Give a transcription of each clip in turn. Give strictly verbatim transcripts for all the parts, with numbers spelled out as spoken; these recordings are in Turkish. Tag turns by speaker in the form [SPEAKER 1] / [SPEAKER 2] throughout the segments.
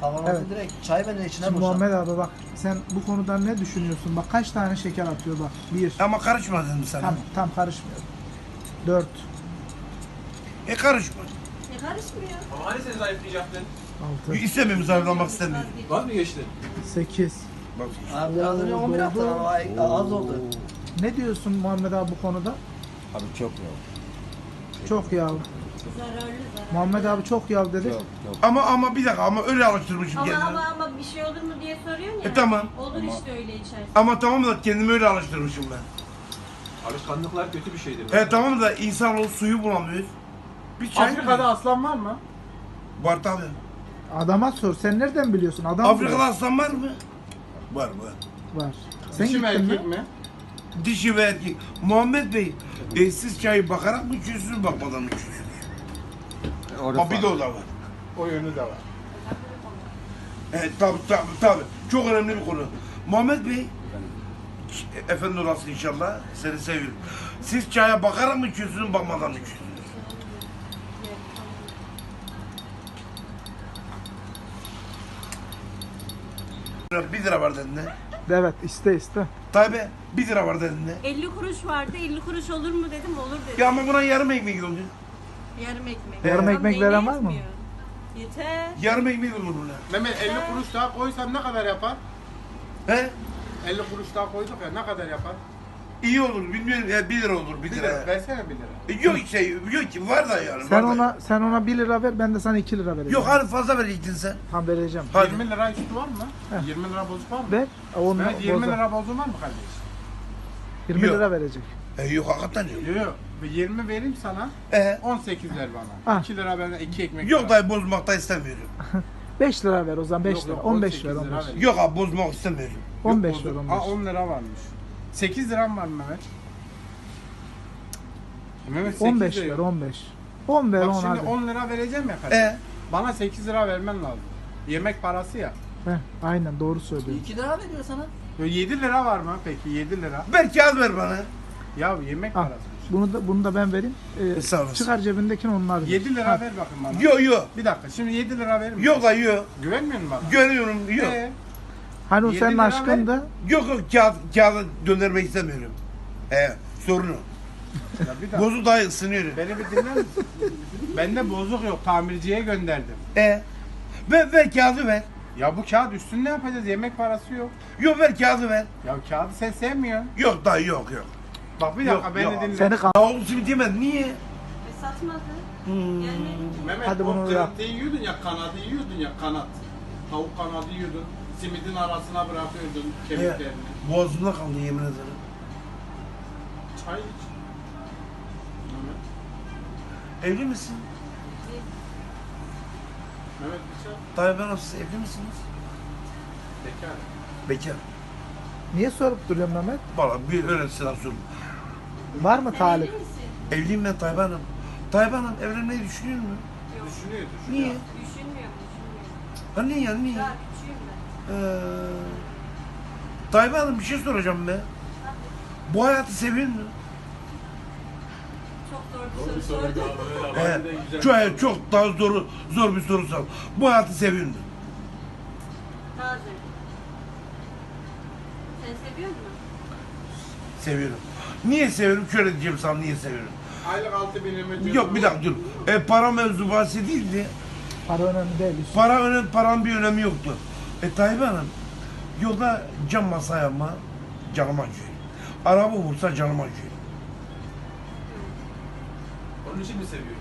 [SPEAKER 1] Kavanozu
[SPEAKER 2] Evet.
[SPEAKER 1] direkt çay benden içine
[SPEAKER 2] Şimdi
[SPEAKER 1] boşalt.
[SPEAKER 2] Muhammed abi bak sen bu konudan ne düşünüyorsun? Bak kaç tane şeker atıyor bak. Bir.
[SPEAKER 3] Ama karışma dedim sana.
[SPEAKER 2] Tam, tam karışmıyor. Dört.
[SPEAKER 3] E karışma.
[SPEAKER 4] Ne karışmıyor?
[SPEAKER 5] Ama hani seni zayıflayacaktın?
[SPEAKER 2] Altı.
[SPEAKER 3] İstemiyorum zayıflamak istemiyorum.
[SPEAKER 5] Vaz mı geçtin?
[SPEAKER 2] Sekiz.
[SPEAKER 3] Bak.
[SPEAKER 1] Abi az önce on bir attın ama ay- az oldu.
[SPEAKER 2] Ne diyorsun Muhammed abi bu konuda?
[SPEAKER 6] Abi çok yok.
[SPEAKER 2] Çok yağ.
[SPEAKER 4] Zararlı zararlı.
[SPEAKER 2] Muhammed abi çok yağ dedi.
[SPEAKER 6] Çok çok.
[SPEAKER 3] Ama ama bir dakika ama öyle alıştırmışım
[SPEAKER 4] Ama
[SPEAKER 3] kendimi.
[SPEAKER 4] ama ama bir şey olur mu diye soruyorsun ya.
[SPEAKER 3] E, tamam.
[SPEAKER 4] Olur
[SPEAKER 6] Ama-
[SPEAKER 4] işte öyle içersin.
[SPEAKER 3] Ama tamam da kendimi öyle alıştırmışım ben.
[SPEAKER 5] Alışkanlıklar kötü bir şeydir.
[SPEAKER 3] He tamam da insan o suyu bulamıyor. Bir çay
[SPEAKER 7] Afrika'da aslan var mı?
[SPEAKER 3] var tabii.
[SPEAKER 2] Adama sor. Sen nereden biliyorsun? Adam
[SPEAKER 3] Afrika'da
[SPEAKER 2] biliyor.
[SPEAKER 3] aslan var mı? Var var.
[SPEAKER 2] Var. Sen
[SPEAKER 7] Dişi mi
[SPEAKER 2] gittin mi?
[SPEAKER 7] erkek mi?
[SPEAKER 3] Dişi ve erkek. Muhammed Bey, e, siz çayı bakarak mı içiyorsunuz, bakmadan mı içiyorsunuz?
[SPEAKER 6] Orada
[SPEAKER 3] Ha bir de o da var.
[SPEAKER 7] O yönü de var.
[SPEAKER 3] Evet tabii tabii tabii. Çok önemli bir konu. Muhammed Bey, e, efendi olasın inşallah, seni seviyorum. Siz çaya bakarak mı içiyorsunuz, bakmadan mı içiyorsunuz? Bir lira var dedin ne?
[SPEAKER 2] Evet iste iste.
[SPEAKER 3] Tabi bir lira var dedin ne?
[SPEAKER 4] elli kuruş vardı. elli kuruş olur mu dedim. Olur dedim.
[SPEAKER 3] Ya ama buna yarım ekmek oldu.
[SPEAKER 4] Yarım ekmek.
[SPEAKER 2] Yarım
[SPEAKER 4] Tam
[SPEAKER 2] ekmek
[SPEAKER 4] neyine
[SPEAKER 2] veren var mı?
[SPEAKER 4] yetmiyor. Yeter.
[SPEAKER 3] Yarım ekmek olur buna.
[SPEAKER 7] Mehmet elli kuruş daha koysam ne kadar yapar?
[SPEAKER 3] He?
[SPEAKER 7] elli kuruş daha koyduk ya ne kadar yapar?
[SPEAKER 3] İyi olur, bilmiyorum ya bir lira olur, bir
[SPEAKER 7] Bir
[SPEAKER 3] lira.
[SPEAKER 7] lira. Versene bir lira.
[SPEAKER 3] E, Yok şey, yok ki var da yani.
[SPEAKER 2] Sen
[SPEAKER 3] var da.
[SPEAKER 2] ona sen ona bir lira ver ben de sana iki lira vereceğim.
[SPEAKER 3] Yok hani fazla verecektin sen.
[SPEAKER 2] Tam vereceğim.
[SPEAKER 3] Hadi.
[SPEAKER 7] yirmi lira üstü var mı?
[SPEAKER 2] Heh.
[SPEAKER 7] yirmi lira bozuk var mı?
[SPEAKER 2] Ver. Onu
[SPEAKER 7] Mehmet yirmi
[SPEAKER 2] boza.
[SPEAKER 7] lira bozuk var mı kardeş?
[SPEAKER 2] yirmi
[SPEAKER 3] Yok.
[SPEAKER 2] lira verecek.
[SPEAKER 3] E, yok hakikaten yok.
[SPEAKER 7] Yok yok. yirmi vereyim sana.
[SPEAKER 3] E,
[SPEAKER 7] on sekiz ver bana.
[SPEAKER 2] Ah.
[SPEAKER 7] iki lira benden iki ekmek.
[SPEAKER 3] yok
[SPEAKER 7] ver.
[SPEAKER 3] dayı bozmak da istemiyorum.
[SPEAKER 2] beş lira ver o zaman beş
[SPEAKER 7] Yok,
[SPEAKER 2] lira.
[SPEAKER 7] yok,
[SPEAKER 2] on beş
[SPEAKER 7] on sekiz
[SPEAKER 2] ver
[SPEAKER 7] lira
[SPEAKER 2] on beş.
[SPEAKER 7] ver.
[SPEAKER 3] Yok abi bozmak istemiyorum.
[SPEAKER 2] on beş
[SPEAKER 7] Yok,
[SPEAKER 2] ver
[SPEAKER 7] bozuk.
[SPEAKER 2] on
[SPEAKER 7] Aa
[SPEAKER 2] beş.
[SPEAKER 7] on lira varmış. sekiz liram var Mehmet. Mehmet sekiz
[SPEAKER 2] on beş
[SPEAKER 7] lira
[SPEAKER 2] ver
[SPEAKER 7] yok.
[SPEAKER 2] on beş. on ver
[SPEAKER 7] Bak
[SPEAKER 2] on
[SPEAKER 7] şimdi
[SPEAKER 2] hadi.
[SPEAKER 7] on lira vereceğim ya kardeş.
[SPEAKER 3] E,
[SPEAKER 7] Bana sekiz lira vermen lazım. Yemek parası ya.
[SPEAKER 2] Heh, aynen doğru söylüyorsun.
[SPEAKER 1] iki lira veriyor sana.
[SPEAKER 7] Yo, yedi lira var mı peki yedi lira?
[SPEAKER 3] ver kağıt ver bana.
[SPEAKER 7] Ya yemek
[SPEAKER 2] Al.
[SPEAKER 7] parası.
[SPEAKER 2] Bunu da bunu da ben vereyim. Ee,
[SPEAKER 3] Sağ olasın.
[SPEAKER 2] çıkar cebindekini onlar ver.
[SPEAKER 7] yedi lira
[SPEAKER 2] Ha,
[SPEAKER 7] ver bakın bana.
[SPEAKER 3] Yok yok.
[SPEAKER 7] Bir dakika şimdi yedi lira verir misin?
[SPEAKER 3] Yok da yok.
[SPEAKER 7] Güvenmiyor musun bana?
[SPEAKER 3] Görüyorum yok.
[SPEAKER 7] Ee,
[SPEAKER 2] Hani o
[SPEAKER 7] yedi
[SPEAKER 2] senin
[SPEAKER 7] lira
[SPEAKER 2] aşkın
[SPEAKER 7] ver.
[SPEAKER 2] da
[SPEAKER 3] Yok yok kağıt, kağıdı döndürmek istemiyorum. E, sorunu.
[SPEAKER 7] ya bir dakika.
[SPEAKER 3] Bozuk daha ısınıyorum.
[SPEAKER 7] Beni bir dinler misin? Bende bozuk yok. Tamirciye gönderdim.
[SPEAKER 3] E, ver, ver kağıdı ver.
[SPEAKER 7] Ya bu kağıt üstünde ne yapacağız? Yemek parası yok.
[SPEAKER 3] Yok ver kağıdı ver.
[SPEAKER 7] Ya kağıdı sen sevmiyorsun.
[SPEAKER 3] Yok dayı yok yok.
[SPEAKER 7] Bak bir
[SPEAKER 3] Yok,
[SPEAKER 7] dakika beni
[SPEAKER 3] yok.
[SPEAKER 7] dinle.
[SPEAKER 2] seni kan.
[SPEAKER 3] Tavuk simit yemedin niye?
[SPEAKER 4] E, satmadı.
[SPEAKER 3] Hmm.
[SPEAKER 4] Gelmedi ki.
[SPEAKER 7] Mehmet
[SPEAKER 2] Hadi
[SPEAKER 7] o
[SPEAKER 2] bunu yap.
[SPEAKER 7] kırıntıyı yiyordun ya kanadı yiyordun ya kanat. Tavuk kanadı yiyordun. Simidin arasına bırakıyordun
[SPEAKER 3] E,
[SPEAKER 7] kemiklerini.
[SPEAKER 3] boğazımda kaldı yemin ederim.
[SPEAKER 7] Çay iç. Mehmet.
[SPEAKER 3] Evli misin?
[SPEAKER 7] Mehmet bir çay.
[SPEAKER 3] Dayı ben siz evli misiniz?
[SPEAKER 7] Bekar.
[SPEAKER 3] Bekar.
[SPEAKER 2] Niye sorup duruyorsun Mehmet?
[SPEAKER 3] Valla bir öyle selam sorun.
[SPEAKER 2] Var mı
[SPEAKER 4] Sen
[SPEAKER 2] talip?
[SPEAKER 4] evli misin?
[SPEAKER 3] Evliyim ben Tayyip Hanım. Tayyip Hanım evlenmeyi düşünüyor mu?
[SPEAKER 4] Yok.
[SPEAKER 7] Düşünüyor düşünüyor.
[SPEAKER 3] Niye?
[SPEAKER 4] Düşünmüyorum, düşünmüyorum.
[SPEAKER 3] Ha niye ya niye?
[SPEAKER 4] Daha küçüğüm ben.
[SPEAKER 3] Ee, Tayyip Hanım bir şey soracağım be. Bu hayatı seviyor musun?
[SPEAKER 4] Çok zor bir soru sordun.
[SPEAKER 3] Ee, çok, çok daha zor, zor bir soru sor. Bu hayatı seviyor musun?
[SPEAKER 4] Bazen. Sen seviyor musun?
[SPEAKER 3] Seviyorum. Niye seviyorum? Şöyle diyeceğim sana niye seviyorum.
[SPEAKER 7] Aylık altı bin lira.
[SPEAKER 3] Yok bir dakika dur. E, para mevzu bahsi değildi.
[SPEAKER 2] Para önemli değil. Yusuf.
[SPEAKER 3] Para önemli, paranın bir önemi yoktu. E Tayyip Hanım, yolda cam masa yapma, canıma acıyor. Araba vursa canıma acıyor.
[SPEAKER 5] Onun için mi seviyor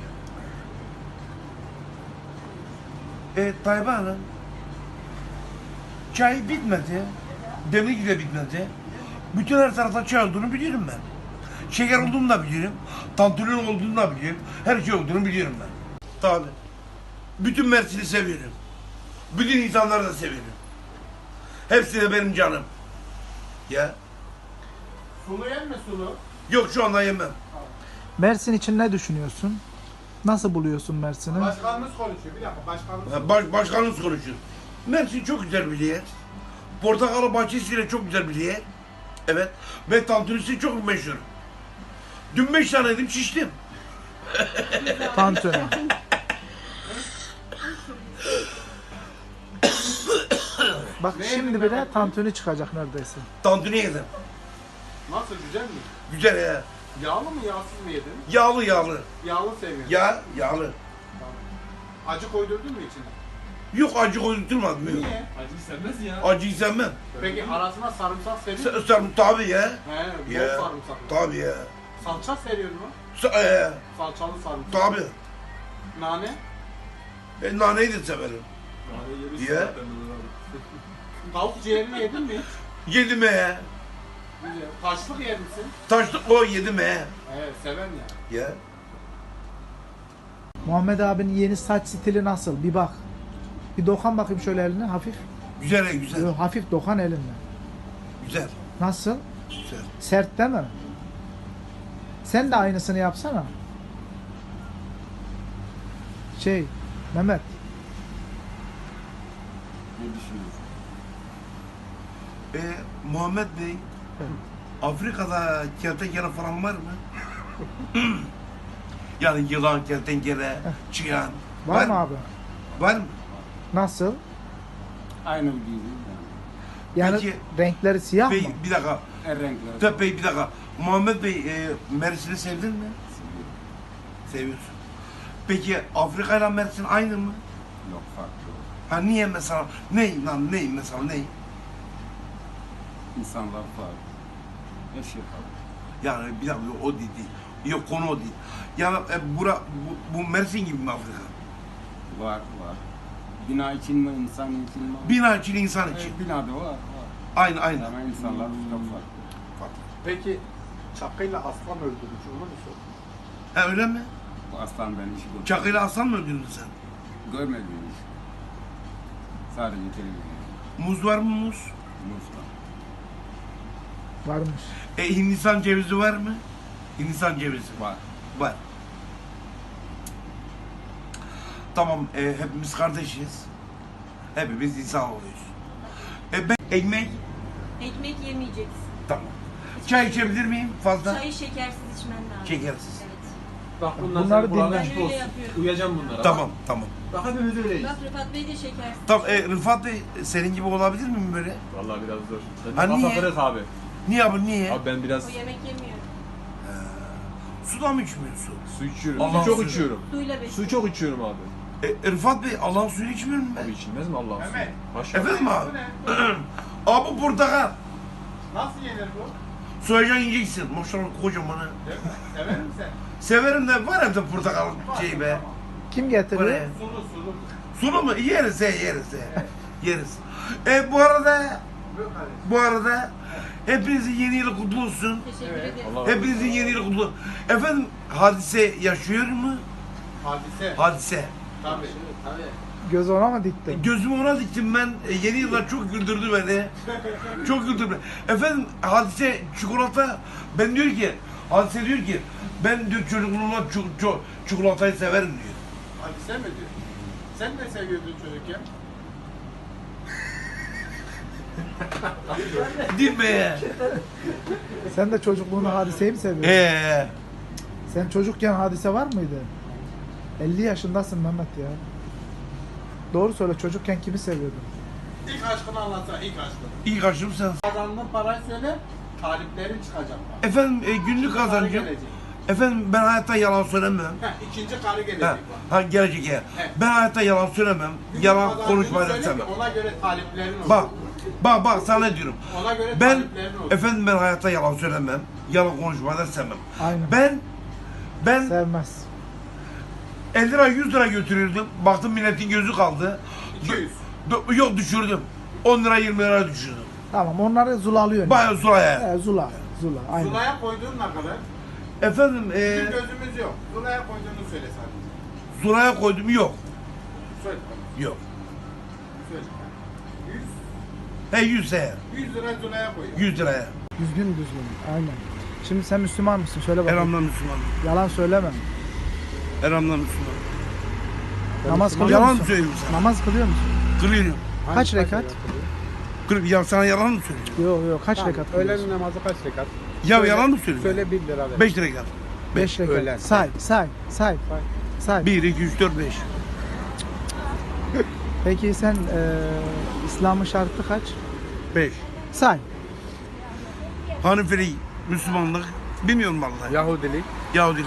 [SPEAKER 5] yani?
[SPEAKER 3] E Tayyip Hanım, çay bitmedi, demlik de bitmedi. Bütün her tarafta çay olduğunu biliyorum ben. Şeker olduğunu da biliyorum, tantülün olduğunu da biliyorum, her şey olduğunu biliyorum ben. Tabii. Bütün Mersin'i seviyorum. Bütün insanları da seviyorum. Hepsi de benim canım. Ya.
[SPEAKER 7] Sulu yer mi sulu?
[SPEAKER 3] Yok şu anda yemem.
[SPEAKER 2] Mersin için ne düşünüyorsun? Nasıl buluyorsun Mersin'i?
[SPEAKER 7] Başkanımız konuşuyor. Bir dakika başkanımız
[SPEAKER 3] Ha, Baş, başkanımız konuşuyor. Mersin çok güzel bir yer. Portakalı bahçesiyle çok güzel bir yer. Evet. Ve tantunisi çok meşhur. Dün beş tane yedim şiştim.
[SPEAKER 2] Tantuni. Bak
[SPEAKER 7] Ne
[SPEAKER 2] şimdi
[SPEAKER 7] yedin
[SPEAKER 2] bile
[SPEAKER 7] Mehmet?
[SPEAKER 2] tantuni çıkacak neredeyse.
[SPEAKER 3] Tantuni yedim.
[SPEAKER 7] Nasıl, güzel mi?
[SPEAKER 3] Güzel ya.
[SPEAKER 7] Yağlı mı yağsız mı yedin?
[SPEAKER 3] Yağlı yağlı.
[SPEAKER 7] Yağlı seviyorum.
[SPEAKER 3] Ya yağlı.
[SPEAKER 7] Acı koydurdun mu içine?
[SPEAKER 3] Yok acı koydurtmadım. Yok.
[SPEAKER 7] Niye?
[SPEAKER 5] Acıyı sevmez ya.
[SPEAKER 3] Acıyı sevmem.
[SPEAKER 7] Peki arasına sarımsak seriyor
[SPEAKER 3] Sen,
[SPEAKER 7] musun?
[SPEAKER 3] sen tabii ya.
[SPEAKER 7] He, bol
[SPEAKER 3] Ya.
[SPEAKER 7] sarımsak.
[SPEAKER 3] Tabii ya.
[SPEAKER 7] Salça seriyor mu?
[SPEAKER 3] Sa e,
[SPEAKER 7] Salçalı sarımsak.
[SPEAKER 3] tabii.
[SPEAKER 7] Nane?
[SPEAKER 3] E, naneyi de severim.
[SPEAKER 5] Yani yemiş
[SPEAKER 3] Ya.
[SPEAKER 5] zaten bunu abi.
[SPEAKER 7] Tavuk ciğerini yedin mi hiç?
[SPEAKER 3] Yedim he.
[SPEAKER 7] Güzel. Taşlık yer misin?
[SPEAKER 3] Taşlık o yedim he.
[SPEAKER 7] Evet, seven ya.
[SPEAKER 3] Ya.
[SPEAKER 2] Muhammed abinin yeni saç stili nasıl? Bir bak. Bir dokan bakayım şöyle eline hafif.
[SPEAKER 3] Güzel he, güzel.
[SPEAKER 2] Yo, hafif dokan elinle.
[SPEAKER 3] Güzel.
[SPEAKER 2] Nasıl?
[SPEAKER 3] Güzel.
[SPEAKER 2] Sert değil mi? Sen de aynısını yapsana. Şey, Mehmet.
[SPEAKER 6] Ne düşünüyorsun?
[SPEAKER 3] E, Muhammed Bey,
[SPEAKER 2] Evet.
[SPEAKER 3] Afrika'da kertenkele falan var mı? Yani yılan, kertenkele, çıyan.
[SPEAKER 2] Var mı abi?
[SPEAKER 3] Var mı?
[SPEAKER 2] Nasıl?
[SPEAKER 6] Aynı gibi yani.
[SPEAKER 2] Yani
[SPEAKER 3] Peki-
[SPEAKER 2] renkleri siyah
[SPEAKER 3] Bey,
[SPEAKER 2] mı?
[SPEAKER 3] bir dakika.
[SPEAKER 6] Her renkler.
[SPEAKER 3] Tabii Bey, bir dakika. Muhammed Bey, e, Mersin'i sevdin mi? Seviyorsun. Peki Afrika ile Mersin aynı mı?
[SPEAKER 6] Yok farklı.
[SPEAKER 3] Ha niye mesela? Ne lan ne mesela ne?
[SPEAKER 6] İnsanlar farklı. Her şey farklı.
[SPEAKER 3] Yani bir dakika o değil. değil. Yok konu o değil. Yani e, bura, bu, bu Mersin gibi mi Afrika?
[SPEAKER 6] Var var. Bina için mi, insan için mi?
[SPEAKER 3] Bina için, insan için.
[SPEAKER 6] Evet, binada var var.
[SPEAKER 3] Aynı aynı.
[SPEAKER 6] Ama insanlar çok farklı.
[SPEAKER 3] Farklı.
[SPEAKER 7] Peki çakıyla aslan öldürmüş olur musun?
[SPEAKER 3] Ha öyle mi?
[SPEAKER 6] Bu aslan ben hiç görmedim.
[SPEAKER 3] Çakıyla aslan mı öldürdün sen?
[SPEAKER 6] Görmedim hiç. Sadece televizyon.
[SPEAKER 3] Muz var mı muz?
[SPEAKER 6] Muz var.
[SPEAKER 2] Varmış.
[SPEAKER 3] E Hindistan cevizi var mı? Hindistan cevizi.
[SPEAKER 6] Var.
[SPEAKER 3] Var. Tamam, e, hepimiz kardeşiz. Hepimiz insan oluyoruz. E ben ekmek,
[SPEAKER 4] Ekmek yemeyeceksin.
[SPEAKER 3] tamam. Çay içebilir miyim fazla?
[SPEAKER 4] Çayı şekersiz içmen lazım.
[SPEAKER 3] Şekersiz.
[SPEAKER 4] Evet.
[SPEAKER 5] Bak bundan
[SPEAKER 2] Bunları
[SPEAKER 5] sonra kulağın
[SPEAKER 2] dinle.
[SPEAKER 5] açık
[SPEAKER 4] Ben öyle
[SPEAKER 5] olsun.
[SPEAKER 4] yapıyorum.
[SPEAKER 5] Uyacağım bunlara.
[SPEAKER 3] Tamam, tamam.
[SPEAKER 5] Bak hepimiz öyleyiz.
[SPEAKER 4] Bak Rıfat Bey de şekersiz.
[SPEAKER 3] Tamam, e, Rıfat Bey senin gibi olabilir miyim böyle?
[SPEAKER 5] Vallahi biraz zor. Ben
[SPEAKER 3] Ha,
[SPEAKER 5] de kafa
[SPEAKER 3] niye?
[SPEAKER 5] kırık abi.
[SPEAKER 3] Niye abi, niye?
[SPEAKER 5] Abi ben biraz
[SPEAKER 4] O yemek yemiyor.
[SPEAKER 3] Suda mı içmiyorsun?
[SPEAKER 5] su içiyorum.
[SPEAKER 3] Allah'ın
[SPEAKER 5] Su çok
[SPEAKER 3] suyu.
[SPEAKER 5] içiyorum.
[SPEAKER 4] Suyla besliyor.
[SPEAKER 5] Su çok içiyorum abi.
[SPEAKER 3] E, Rıfat Bey, Allah'ın suyunu içmiyor mu
[SPEAKER 5] Abi
[SPEAKER 3] ben?
[SPEAKER 5] içilmez mi Allah'ın suyu?
[SPEAKER 7] Mehmet.
[SPEAKER 5] Maşallah.
[SPEAKER 3] Efendim abi?
[SPEAKER 7] Bu ne?
[SPEAKER 3] Abi bu portakal.
[SPEAKER 7] Nasıl yenir bu?
[SPEAKER 3] Soyacaksın, yiyeceksin. Maşallah kocaman ha.
[SPEAKER 7] Değil mi? Sever misin sen?
[SPEAKER 3] Severim de var evde portakal şeyi be.
[SPEAKER 2] Kim
[SPEAKER 3] Var
[SPEAKER 2] getiriyor?
[SPEAKER 3] ya.
[SPEAKER 7] Sulu sulu.
[SPEAKER 3] Sulu mu? Yeriz he, yeriz he. Yeriz. E bu arada,
[SPEAKER 7] Buyur kardeşim.
[SPEAKER 3] bu arada hepinizin yeni yılı kutlu olsun.
[SPEAKER 4] Teşekkür
[SPEAKER 7] Evet.
[SPEAKER 4] ederim.
[SPEAKER 5] Allah razı olsun.
[SPEAKER 3] Hepinizin yeni yılı kutlu. Efendim, Hadise yaşıyor mu?
[SPEAKER 7] Hadise.
[SPEAKER 3] Hadise.
[SPEAKER 7] Tabii. Tabii.
[SPEAKER 2] Göz ona mı diktin?
[SPEAKER 3] Gözümü ona diktim ben. E, yeni yıllar çok güldürdü beni. Çok güldürdü beni. Efendim, Hadise çikolata. Ben diyor ki, Hadise diyor ki, ben diyor çocukluğumda çu- çu- çikolatayı severim diyor.
[SPEAKER 7] Hadise mi diyor? Sen ne seviyordun çocukken?
[SPEAKER 3] Değil mi ya?
[SPEAKER 2] Sen de çocukluğunu hadiseyi mi seviyorsun?
[SPEAKER 3] Eee.
[SPEAKER 2] Sen çocukken hadise var mıydı? elli yaşındasın Mehmet ya. Doğru söyle, çocukken kimi seviyordun?
[SPEAKER 7] İlk aşkını anlatsana, ilk aşkını.
[SPEAKER 3] İlk aşım sen.
[SPEAKER 7] Kazandığın parayı söyle, taliplerin çıkacak bak.
[SPEAKER 3] Efendim, e, günlük
[SPEAKER 7] Karı
[SPEAKER 3] kazancım.
[SPEAKER 7] gelecek.
[SPEAKER 3] Efendim, ben hayatta yalan söylemem.
[SPEAKER 7] Heh, ikinci karı gelecek
[SPEAKER 3] Ha,
[SPEAKER 7] bak.
[SPEAKER 3] ha gelecek ya.
[SPEAKER 7] Evet.
[SPEAKER 3] Ben hayatta yalan söylemem.
[SPEAKER 7] Günlük
[SPEAKER 3] Yalan
[SPEAKER 7] kazancını
[SPEAKER 3] konuşmayı da
[SPEAKER 7] söyle ki
[SPEAKER 3] sevmem.
[SPEAKER 7] Ona göre taliplerin olsun.
[SPEAKER 3] Bak, bak, bak sana ne diyorum.
[SPEAKER 7] Ona göre
[SPEAKER 3] Ben,
[SPEAKER 7] taliplerin olsun.
[SPEAKER 3] efendim ben hayatta yalan söylemem. Yalan konuşmayı da sevmem.
[SPEAKER 2] Aynen.
[SPEAKER 3] Ben, ben
[SPEAKER 2] Sevmez.
[SPEAKER 3] elli lira yüz lira götürürdüm. Baktım milletin gözü kaldı.
[SPEAKER 7] iki yüz.
[SPEAKER 3] D- Yok düşürdüm. on lira yirmi lira düşürdüm.
[SPEAKER 2] Tamam, onları zulalıyorsun.
[SPEAKER 3] Bayağı Zula'ya.
[SPEAKER 2] He, zula. Zula. Aynen.
[SPEAKER 7] Zula'ya koyduğun ne kadar?
[SPEAKER 3] Efendim, e,
[SPEAKER 7] Bizim gözümüz yok. Zula'ya koyduğunu söyle sadece.
[SPEAKER 3] Zula'ya koydum yok.
[SPEAKER 7] Söyle.
[SPEAKER 3] Yok.
[SPEAKER 7] Söyle. yüz.
[SPEAKER 3] He yüz he.
[SPEAKER 7] yüz lira Zula'ya koyuyor.
[SPEAKER 3] yüz liraya.
[SPEAKER 2] Düzgün düzgün. Aynen. Şimdi sen Müslüman mısın? Söyle bakalım.
[SPEAKER 3] Elhamdülillah Müslüman.
[SPEAKER 2] Yalan söyleme.
[SPEAKER 3] Elhamdülillah Müslüman.
[SPEAKER 2] Namaz kılıyor
[SPEAKER 3] Yalan mı
[SPEAKER 2] musun?
[SPEAKER 3] söylüyorum sana?
[SPEAKER 2] Namaz kılıyor musun?
[SPEAKER 3] Kırıyorum.
[SPEAKER 2] Kaç rekat?
[SPEAKER 3] Kırıp ya sana yalan mı söylüyorum?
[SPEAKER 2] Yok yok, kaç rekat kılıyorsun?
[SPEAKER 8] Öğlen namazı kaç rekat?
[SPEAKER 3] Ya yalan mı söylüyorum?
[SPEAKER 8] Söyle bir lira ver.
[SPEAKER 3] beş rekat.
[SPEAKER 2] beş rekat.
[SPEAKER 8] öğlen.
[SPEAKER 2] Say, say, say. Say.
[SPEAKER 3] bir, iki, üç, dört, beş.
[SPEAKER 2] Peki sen e, İslam'ın şartı kaç?
[SPEAKER 3] Beş.
[SPEAKER 2] Say.
[SPEAKER 3] Hanifelik, Müslümanlık, bilmiyorum vallahi.
[SPEAKER 5] Yahudilik.
[SPEAKER 3] Yahudilik.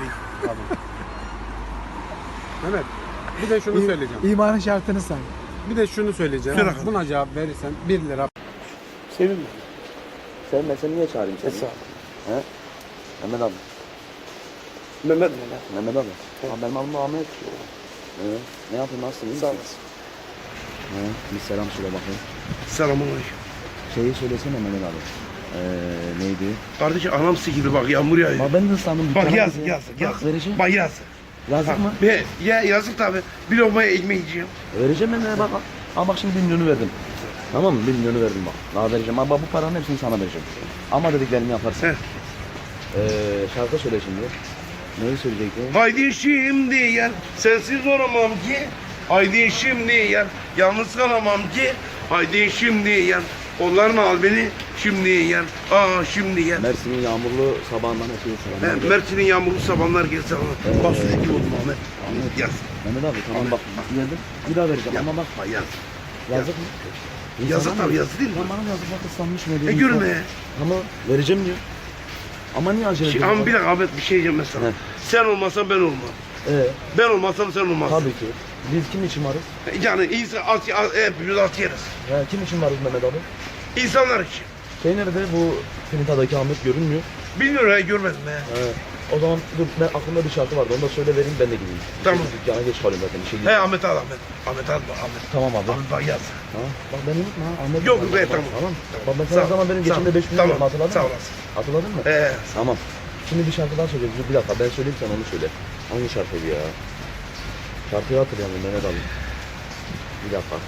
[SPEAKER 5] Mehmet. Bir de şunu
[SPEAKER 2] İ-
[SPEAKER 5] söyleyeceğim.
[SPEAKER 2] İmanın şartını say.
[SPEAKER 5] Bir de şunu söyleyeceğim.
[SPEAKER 3] Söyle bakalım.
[SPEAKER 5] Buna cevap verirsen bir lira.
[SPEAKER 3] Sevinme.
[SPEAKER 8] Sevmesen niye çağırayım seni?
[SPEAKER 3] Sağ ol.
[SPEAKER 8] He? Mehmet abi.
[SPEAKER 3] Mehmet Mehmet.
[SPEAKER 8] Mehmet abi. Abi benim adım Ahmet. Ee, ne yapayım nasılsın? İyi
[SPEAKER 3] Sağ
[SPEAKER 8] misin?
[SPEAKER 3] olasın.
[SPEAKER 8] He, bir selam söyle bakayım.
[SPEAKER 3] Selamünaleyküm.
[SPEAKER 8] Şeyi söylesene Mehmet abi. Ee, neydi?
[SPEAKER 3] Kardeşim anam sikildi bak yağmur yağıyor.
[SPEAKER 8] Bak ben de ıslandım.
[SPEAKER 3] Bak
[SPEAKER 8] dükkana
[SPEAKER 3] yazık
[SPEAKER 8] gideceğim.
[SPEAKER 3] yazık
[SPEAKER 8] Bak,
[SPEAKER 3] yazık.
[SPEAKER 8] vereceğim.
[SPEAKER 3] Bak yazık.
[SPEAKER 8] Yazık mı?
[SPEAKER 3] Be, ya yazık tabi. Bir lokmaya ekmek yiyeceğim.
[SPEAKER 8] Vereceğim ben de bak. Ama bak şimdi bir milyonu verdim. Tamam mı? Bir milyonu verdim bak. Daha vereceğim. Ama bu paranın hepsini sana vereceğim. Ama dediklerimi yaparsın.
[SPEAKER 3] Heh.
[SPEAKER 8] Ee, şarkı söyle şimdi. Neyi söyleyecektin?
[SPEAKER 3] Haydi şimdi yer, sensiz olamam ki. Haydi şimdi yer, yalnız kalamam ki. Haydi şimdi yer, kollarını al beni. Şimdi yer, aa şimdi yer.
[SPEAKER 8] Mersin'in yağmurlu sabahından ötürü selamlar.
[SPEAKER 3] Ben Mersin'in yağmurlu sabahlar gelse bana.
[SPEAKER 8] Ee,
[SPEAKER 3] Bak suç gibi oldum Ahmet.
[SPEAKER 8] Ahmet.
[SPEAKER 3] Yaz.
[SPEAKER 8] Mehmet abi tamam bak. Geldim. Bir daha vereceğim
[SPEAKER 3] Yaz.
[SPEAKER 8] ama bak.
[SPEAKER 3] Bak yaz.
[SPEAKER 8] Yazık mı?
[SPEAKER 3] Yazık
[SPEAKER 8] İnsana
[SPEAKER 3] tabii,
[SPEAKER 8] mı?
[SPEAKER 3] yazık değil mi?
[SPEAKER 8] Lan bana yazık bak ıslanmış mı diye.
[SPEAKER 3] E gülme.
[SPEAKER 8] Ama vereceğim diyor. Ama niye acele
[SPEAKER 3] Şey,
[SPEAKER 8] ediyorsun?
[SPEAKER 3] ama bir dakika Ahmet bir şey diyeceğim mesela.
[SPEAKER 8] He.
[SPEAKER 3] Sen olmasan ben olmam.
[SPEAKER 8] Ee,
[SPEAKER 3] Ben olmasam sen olmazsın.
[SPEAKER 8] tabii ki. Biz kim için varız?
[SPEAKER 3] Yani insan at, at, hepimiz at yeriz.
[SPEAKER 8] Ya, kim için varız Mehmet abi?
[SPEAKER 3] İnsanlar için.
[SPEAKER 8] Şey nerede bu Finita'daki Ahmet görünmüyor.
[SPEAKER 3] Bilmiyorum ya görmedim ya.
[SPEAKER 8] He. O zaman dur ben aklımda bir şarkı vardı onu da söyle vereyim ben de gideyim.
[SPEAKER 3] Tamam.
[SPEAKER 8] Çünkü dükkana geç kalıyorum zaten bir şey
[SPEAKER 3] He
[SPEAKER 8] değil.
[SPEAKER 3] Ahmet al Ahmet. Ahmet al Ahmet.
[SPEAKER 8] Tamam abi.
[SPEAKER 3] Ahmet bak yaz.
[SPEAKER 8] Ha? Bak beni unutma ha. Ahmet
[SPEAKER 3] Yok
[SPEAKER 8] unutma.
[SPEAKER 3] be
[SPEAKER 8] Bak,
[SPEAKER 3] tamam.
[SPEAKER 8] Tamam. Bak ben
[SPEAKER 3] Sağ
[SPEAKER 8] sana
[SPEAKER 3] ol,
[SPEAKER 8] zaman benim
[SPEAKER 3] sağ ol.
[SPEAKER 8] geçimde beş bin lira
[SPEAKER 3] Tamam,
[SPEAKER 8] hatırladın
[SPEAKER 3] sağ
[SPEAKER 8] mı?
[SPEAKER 3] olasın.
[SPEAKER 8] Hatırladın mı?
[SPEAKER 3] Ee,
[SPEAKER 8] Tamam. Şimdi bir şarkı daha söyleyeceğiz. Dur bir dakika ben söyleyeyim sen onu söyle. Hangi şarkıydı ya? Şarkıyı hatırlayalım Mehmet abi. Bir dakika.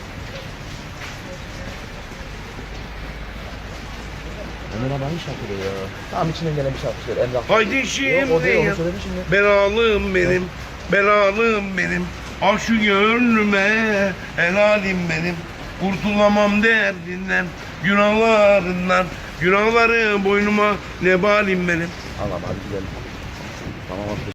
[SPEAKER 8] Mehmet abi hangi şarkıydı ya? Tamam içinden gelen bir şarkı söyle. Emrah.
[SPEAKER 3] haydi
[SPEAKER 8] Yok o
[SPEAKER 3] şimdi
[SPEAKER 8] değil onu
[SPEAKER 3] yaz.
[SPEAKER 8] söyledin şimdi.
[SPEAKER 3] Belalım benim. Belalım benim. Al şu gönlüme. Helalim benim. Kurtulamam derdinden. Günahlarından. Günahları boynuma nebalim benim.
[SPEAKER 8] Tamam hadi gidelim. Tamam abi.